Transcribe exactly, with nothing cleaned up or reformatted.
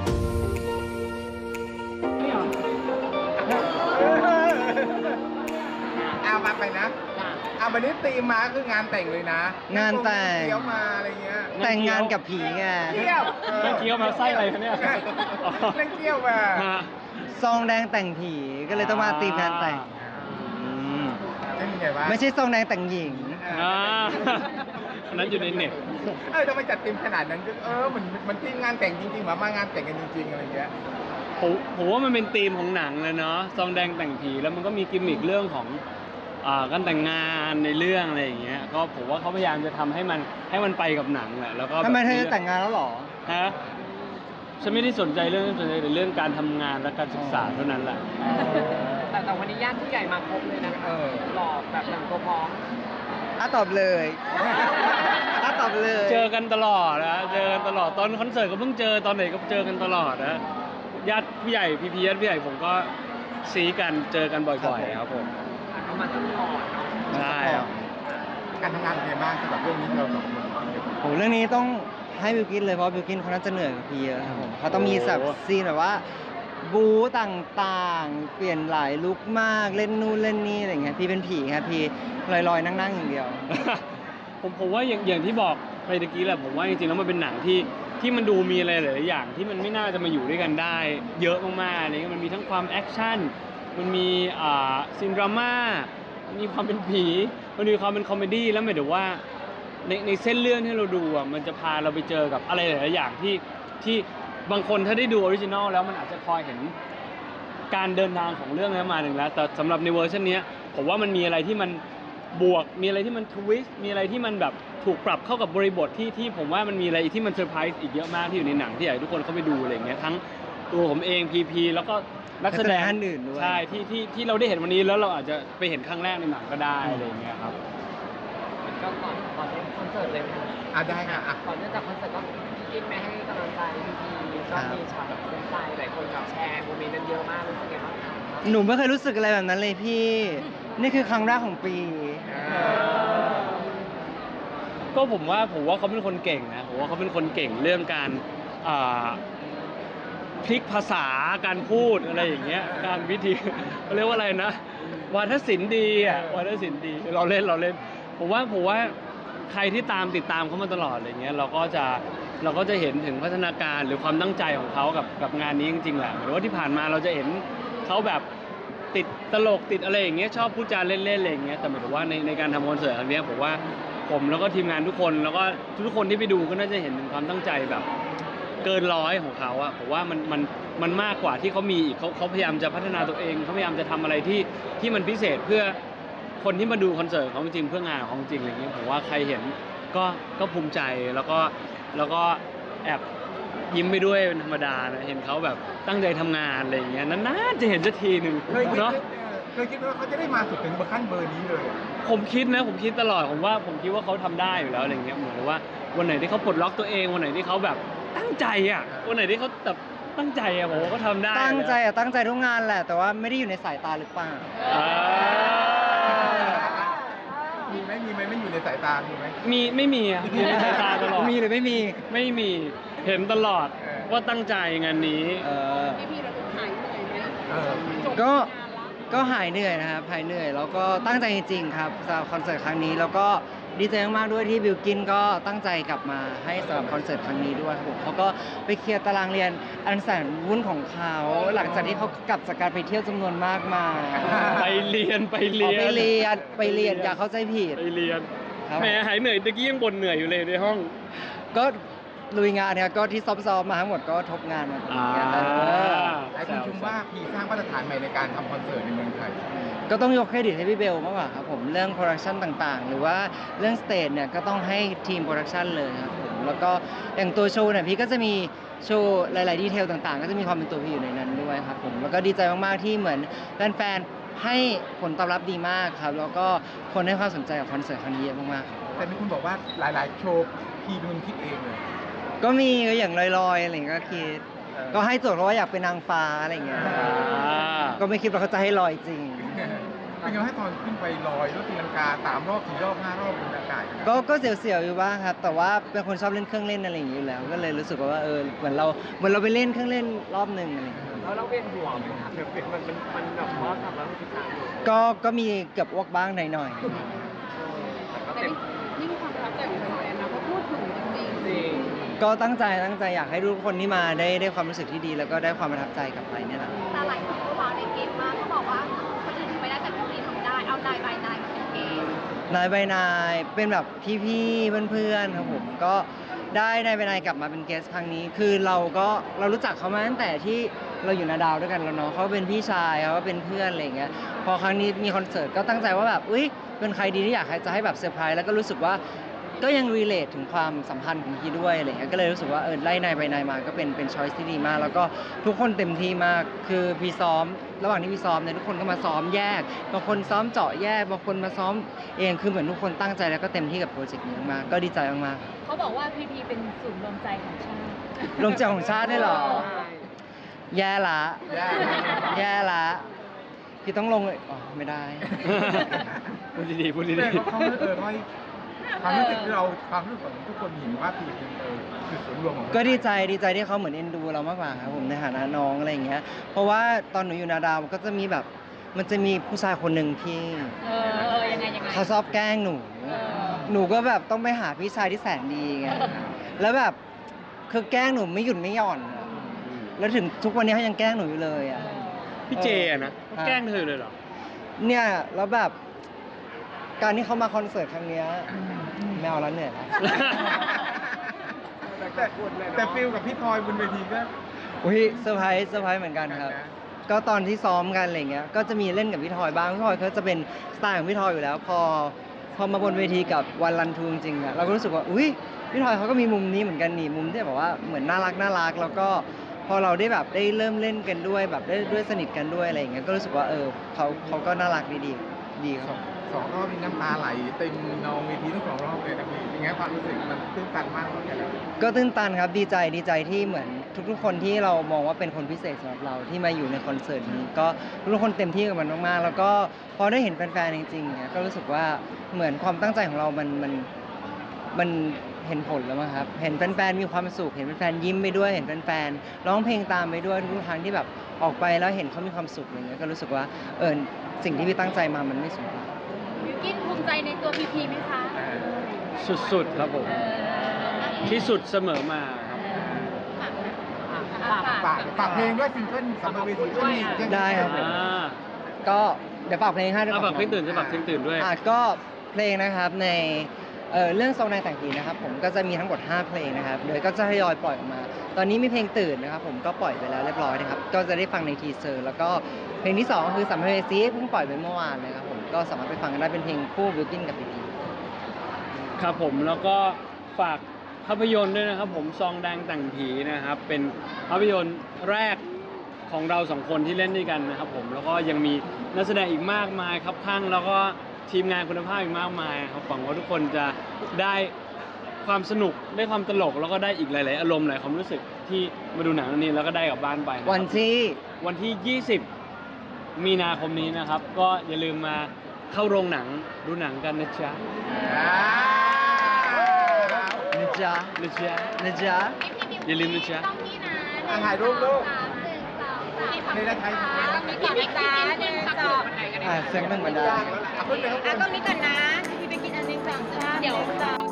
เอามาไปนะเอาวันนี้ตีมมาคืองานแต่งเลยนะงานแต่งเที่ยวมาอะไรเงี้ยแต่งงานกับผีไงเที่ยวนั่งเคี้ยวมาไส้อะไรคะเนี่ยนั่งเที่ยวมาฮะซองแดงแต่งผีก็เลยต้องมาตีมงานแต่งอืมเป็นยังไงวะไม่ใช่ซองแดงแต่งหญิงอ่าอันนั้นอยู่ในเน็ตเออทำไมจัดตีมขนาดนั้นเออมันมันทีมงานแต่งจริงๆหรอมางานแต่งกันจริงๆอะไรเงี้ยผมผมว่ามันเป็นธีมของหนังเลยเนาะซองแดงแต่งผีแล้วมันก็มีกิมมิคเรื่องของอ่าการแต่งงานในเรื่องอะไรอย่างเงี้ยก็ผมว่าเขาพยายามจะทำให้มันให้มันไปกับหนังแหละแล้วก็ทำไมเธอจะแต่งงานแล้วหรอฮะฉันไม่ได้สนใจเรื่องนั้นสนใจแต่เรื่องการทำงานและการศึกษาเท่านั้นแหละแต่แต่วันนี้ญาติผู้ใหญ่มาครบเลยนะเออหล่อแบบหนังตัวพร้อมอ่ะตอบเลยอ่ะตอบเลยเจอกันตลอดนะเจอกันตลอดตอนคอนเสิร์ตก็เพิ่งเจอตอนไหนก็เจอกันตลอดนะญาติผู้ใหญ่พี่พีญาติผู้ใหญ่ผมก็ซีกันเจอกันบ่อยๆครับผมเขามาซัพพอร์ตเนาะใช่ครับการทำงานเป็นไงบ้างสำหรับเรื่องนี้เราสองคนโหเรื่องนี้ต้องให้บิวกินเลยเพราะบิวกินเขาน่าจะเหนื่อยกว่าพี่เยอะครับผมเขาต้องมีแบบซีนแบบว่าบู๊ต่างๆ เปลี่ยนหลายลุคมากเล่นนู่นเล่นนี่อะไรเงี้ยพี่เป็นผีครับพี่ลอยๆนั่งๆอย่างเดียวผมผมว่าอย่างอย่างที่บอกไปตะกี้แหละผมว่าจริงๆแล้วมันเป็นหนังที่ที่มันดูมีอะไรหลายๆอย่างที่มันไม่น่าจะมาอยู่ด้วยกันได้ เยอะมากๆอะไรเงี้ยมันมีทั้งความแอคชั่นมันมีอ่าซีนดราม่ามันมีความเป็นผีมันมีความเป็นคอมเมดี้แล้วหมายถึงว่าในในเส้นเรื่องที่เราดูอ่ะมันจะพาเราไปเจอกับอะไรหลายๆอย่างที่ที่บางคนถ้าได้ดูออริจินอลแล้วมันอาจจะคอยเห็นการเดินทางของเรื่องนั้นมาหนึ่งแล้วแต่สำหรับในเวอร์ชันนี้ผมว่ามันมีอะไรที่มันบวกมีอะไรที่มันทวิสต์มีอะไรที่มันแบบถูกปรับเข้ากับบริบทที่ที่ผมว่ามันมีอะไรที่มันเซอร์ไพรส์อีกเยอะมากที่อยู่ในหนังที่อยากให้ทุกคนเข้าไปดูอะไรอย่างเงี้ยทั้งตัวผมเองพีพีแล้วก็นักแสดงนักแสดงท่านอื่นด้วยใช่ที่ที่ที่เราได้เห็นวันนี้แล้วเราอาจจะไปเห็นครั้งแรกในหนังก็ได้อะไรอย่างเงี้ยครับก็ก่อนก่อนเล่นคอนเสิร์ตเลยไหมคะอ่ะได้ค่ะอ่ะก่อนเนื่องจากคอนเสิร์ตก็กินไปให้กำลังใจพี่พีก็มีช็อตแบบซึ้งใจหลายคนแบบแชร์โมเมนต์นั้นเยอะมากรู้สึกไงบ้างคะหนูไม่เคยรู้สึกอะไรแบบนั้นเลยพี่ นี่คือครั้งแรกของปีก็ผมว่าผมว่าเขาเป็นคนเก่งนะผมว่าเขาเป็นคนเก่งเรื่องการอ่าพลิกภาษาการพูดอะไรอย่างเงี้ยการวิธี เขาเรียกว่าอะไรนะวาทศิลป์ดีอ่ะวาทศิลป์ดีเราเล่นเราเล่นผมว่าผมว่าใครที่ตามติดตามเขามาตลอดอะไรเงี้ยเราก็จะเราก็จะเห็นถึงพัฒนาการหรือความตั้งใจของเขากับกับงานนี้จริงๆแหละหรือว่าที่ผ่านมาเราจะเห็นเขาแบบติดตลกติดอะไรอย่างเงี้ยชอบพูดจาเล่นๆอะไรอย่างเงี้ยแต่หมายถึงว่าในในการทำคอนเสิร์ตครั้งเนี้ยผมว่าผมแล้วก็ทีมงานทุกคนแล้วก็ทุกคนที่ไปดูก็น่าจะเห็นถึงความตั้งใจแบบเกินร้อยของเขาอะผมว่ามันมันมันมากกว่าที่เขามีอีกเขาเขาพยายามจะพัฒนาตัวเองเขาพยายามจะทำอะไรที่ที่มันพิเศษเพื่อคนที่มาดูคอนเสิร์ตของจริงเพื่องานของจริงอะไรอย่างเงี้ยผมว่าใครเห็นก็ก็ภูมิใจแล้วก็แล้วก็แอบยิ้มไปด้วยเป็นธรรมดานะเห็นเขาแบบตั้งใจทำงานอะไรอย่างเงี้ยนานๆจะเห็นสักทีหนึ่งเคยคิดเนาะเคยคิดว่าเขาจะได้มาสุดถึงขั้นเบอร์นี้เลยผมคิดนะผมคิดตลอดผมว่าผมคิดว่าเขาทำได้อยู่แล้วอะไรเงี้ยเหมือนว่าวันไหนที่เขาปลดล็อกตัวเองวันไหนที่เขาแบบตั้งใจอ่ะวันไหนที่เขาแบบตั้งใจอ่ะผมว่าเขาทำได้ตั้งใจแล้วอะตั้งใจทุกงานแหละ แต่ว่าไม่ได้อยู่ในสายตาหรือเปล่าอ่ามีไหมมีไหมไม่อยู่ในสายตา มีไหมมีไม่มีอ่ะอยู่ในสายตาตลอดมีหรือไม่มีไม่มีเห็นตลอดเออว่าตั้งใจงานนี้เออพี่พีเราดูหายเหนื่อยไหมเออจบก็งานละก็หายเหนื่อยนะครับหายเหนื่อยแล้วก็ตั้งใจจริงๆครับสำหรับคอนเสิร์ตครั้งนี้แล้วก็ดีใจมากๆด้วยที่บิวกินก็ตั้งใจกลับมาให้สำหรับคอนเสิร์ตครั้งนี้ด้วยครับผมเขาก็ไปเคลียร์ตารางเรียนอันแสนวุ่นของเขาหลังจากที่เขากลับจากการไปเที่ยวจำนวนมากมายไปเรียนไปอ๋เรีอยนไปเรียนไปเรียนอย่าเข้าใจผิดไปเรียนครับแหมหายเหนื่อยตะกี้ยังบ่นเหนื่อยอยู่เลยในห้องก็ลุยงานเนี่ยก็ที่ซ้อมๆมาทั้งหมดก็ทบงานมาตรงนี้อ่าเออหลายคนชมว่าพีสร้างมาตรฐานใหม่ในการทำคอนเสิร์ตในเมืองไทยก็ต้องยกเครดิตให้พี่เบลมากกว่าครับผมเรื่องโปรดักชันต่างๆ หรือว่าเรื่องสเตจเนี่ยก็ต้องให้ทีมโปรดักชันเลยครับผมแล้วก็อย่างตัวโชว์เนี่ยพี่ก็จะมีโชว์หลายๆดีเทลต่างๆ ก็จะมีความเป็นตัวพี่อยู่ในนั้นด้วยครับผมแล้วก็ดีใจมากๆที่เหมือนแฟนๆให้ผลตอบรับดีมากครับแล้วก็คนให้ความสนใจกับคอนเสิร์ตครั้งนี้เยอะมากๆครับแต่มีคุณบอกว่าหลายๆ โชว์พีเป็นคนคิดเองเลยก็มีก็อย่างลอยๆอะไรอย่างเงี้ยก็คิดเออก็ให้โจทย์เพราะว่าอยากเป็นนางฟ้าอะไรอย่างเงี้ยอ่าก็ไม่คิดว่าเขาจะให้ลอยจริงเราเป็นไงให้ตอนขึ้นไปลอยรถตีลังกาสามรอบสี่รอบห้ารอบบนอากาศก็ก็เสียวๆอยู่บ้างครับ แต่ว่าเป็นคนชอบเล่นเครื่องเล่นอะไรอย่างนี้อยู่แล้ว ก็เลยรู้สึกว่าเออเหมือนเราเหมือนเราไปเล่นเครื่องเล่นรอบหนึ่งอะไรอย่างเงี้ยแล้วเราเวียนหัวไหมคะแบบมันมันมันแบบเพราะสามร้อยหกสิบสามอยู่ก็ก็มีเกือบอ้วกบ้างหน่อยแต่ก็แต่เต็มนี่นี่คือความประทับใจของแฟนนะเพราะพูดถึงจริงจริงๆก็ตั้งใจตั้งใจอยากให้ทุกคนที่มาได้ได้ความรู้สึกที่ดี แล้วก็ได้ความประทับใจกลับไปเนี่ยแหละแต่หลายคนก็ว้าวในเกมมากเขาบอกว่าคนอื่นทำไม่ได้แต่พวกนี้ทำได้ เอานายบายนายมาเป็นเกมนายใบนายเป็นแบบพี่ๆเพื่อนๆครับผมก็ได้นายใบนายกลับมาเป็นเกสครั้งนี้ คือเราก็เรารู้จักเขามาตั้งแต่ที่เราอยู่นาดาวด้วยกันแล้วเนาะเขาเป็นพี่ชายเขาก็เป็นเพื่อนอะไรอย่างเงี้ยพอครั้งนี้มีคอนเสิร์ตก็ตั้งใจว่าแบบอุ้ยเป็นใครดีที่อยากให้จะให้แบบเซอร์ไพรส์แล้วก็รู้สึกว่าก็ยังรีเลทถึงความสัมพันธ์ของพี่ด้วยอะไรเงี้ยก็เลยรู้สึกว่าเออไล่นายใบนายมาก็เป็นเป็นช้อยส์ที่ดีมาก แล้วก็ทุกคนเต็มที่มากคือพี่ซ้อม ระหว่างที่พี่ซ้อมเนี่ยทุกคนก็มาซ้อมแยกบางคนซ้อมเจาะแยกบางคนมาซ้อมเองคือเหมือนทุกคนตั้งใจแล้วก็เต็มที่กับโปรเจกต์นี้มากๆก็ดีใจมากๆเขาบอกว่าพีพีเป็นศูนย์รวมใจของชาติๆลงใจของชาติได้เหรอ แย่ละแย่แย่ละพี่ต้องลงเลยอ๋อไม่ได้พูดดีๆพูดดีแต่เขาเออเขาความรู้สึกที่เราความรู้สึกของทุกคนเห็นว่าพีเป็นเออจุดศูนย์รวมของก็ดีใจดีใจที่เขาเหมือนเอ็นดูเรามากกว่าครับผมในฐานะน้องอะไรอย่างเงี้ยเพราะว่าตอนหนูอยู่นาดาวก็จะมีแบบมันจะมีผู้ชายคนหนึ่งที่เออเออยังไงยังไงเขาชอบแกล้งหนูเออหนูก็แบบต้องไปหาพี่ชายที่แสนดีไงแล้วแบบคือแกล้งหนูไม่หยุดไม่หย่อนอะแล้วถึงทุกวันนี้เขายังแกล้งหนูอยู่เลยอ่ะๆพี่เจอะนะเขาแกล้งเธอเลยเหรอเนี่ยแล้วแบบการที่เขามาคอนเสิร์ตครั้งเนี้ยไม่เอาแล้วเหนื่อยแล้วแต่แต่ฟิลกับพี่พลอยบนเวทีก็อุ้ยเซอร์ไพรส์เซอร์ไพรส์เหมือนกันครับนะก็ตอนที่ซ้อมกันอะไรเงี้ย ก็จะมีเล่นกับพี่ทอยบ้าง พี่ทอยเขาจะเป็นสไตล์ของพี่ทอยอยู่แล้ว พอพอมาบนเวทีกับวันรันทูจริงๆอะเราก็รู้สึกว่า อุ้ยพี่ทอยเขาก็มีมุมนี้เหมือนกันนี่มุมที่แบบว่าเหมือนน่ารักน่ารัก แล้วก็พอเราได้แบบได้เริ่มเล่นกันด้วยแบบได้ด้วยสนิทกันด้วยอะไรอย่างเงี้ย ก็รู้สึกว่าเออเขาเขาก็น่ารักดีดีดีคสรัอบ งสองรอบมีน้ำตาไหลเต็มนองเวทีทั้งสองรอบเลยนะพี่เป็นไงความรู้สึกมันตื้นตันมากเหมือนกันเลยก็ตื้นตันครับดีใจดีใจที่เหมือนทุกๆคนที่เรามองว่าเป็นคนพิเศษสำหรับเราที่มาอยู่ในคอนเสิร์ตนี้ก็ทุกคนเต็มที่กับมันมากๆแล้วก็พอได้เห็นแฟนๆจริงๆเนี่ยก็รู้สึกว่าเหมือนความตั้งใจของเรามันมันมันเห็นผลแล้วมั้งครับเห็นแฟนๆมีความสุขเห็นแฟนๆยิ้มไปด้วยเห็นแฟนๆร้องเพลงตามไปด้วยทุกๆครั้งที่แบบออกไปแล้วเห็นเขามีความสุขอะไรเงี้ยก็รู้สึกว่าเออสิ่งที่พี่ตั้งใจมามันไม่สูญเปล่าบิวกิ้นภูมิใจในตัวพีพีไหมคะเออสุดๆครับผม ที่สุดเสมอมาครับฝากฝากเพลงด้วยซิงเกิลสำหรับเวทีก็มียังได้ครับอ่าก็เดี๋ยวฝากเพลงให้ด้วยเอาฝากเพลงตื่นจะฝากเพลงตื่นด้วยอ่ะก็เพลงนะครับในเอ่อเรื่องทรงในแต่งผีนะครับผมก็จะมีทั้งหมดห้าเพลงนะครับโดยก็จะทยอยปล่อยออกมา ตอนนี้มีเพลงตื่นนะครับผมก็ปล่อยไปแล้วเรียบร้อยนะครับก็จะได้ฟังในทีเซอร์แล้วก็เพลงที่สองก็คือสัมภเวสีเพิ่งปล่อยไปเมื่อวานเลยครับผมก็สามารถไปฟังกันได้เป็นเพลงคู่บิวกิ้นกับพีพีครับผมแล้วก็ฝากภาพยนตร์ด้วยนะครับผมซองแดงแต่งผีนะครับเป็นภาพยนตร์แรกของเราสองคนที่เล่นด้วยกันนะครับผมแล้วก็ยังมีนักแสดงอีกมากมายครับข้างแล้วก็ทีมงานคุณภาพอีกมากมายครับหวังว่าทุกคนจะได้ความสนุกได้ความตลกแล้วก็ได้อีกหลาย ๆ อารมณ์หลายความรู้สึกที่มาดูหนังเรื่องนี้แล้วก็ได้กลับบ้านไปนะครับวันที่วันที่ ยี่สิบ มีนาคมนี้นะครับ ก็อย่าลืมมาเข้าโรงหนังดูหนังกันนะจ๊ะอ่านะจ๊ะนะจ๊ะนะจ๊ะอย่าลืมนะจ๊ะต้องนี่นะอ่ะถ่ายรูปลูกสามหนึ่งสองสามไม่ได้ใช้ต้องมีก่อนนะจ๊ะหนึ่งสองอ่ะเสียงหนึ่งบันไดเอาขึ้นไปข้างบอ่ะนต้องนี้ก่อนนะพี่ไปกินอันหนึ่งสองสามเดี๋ยว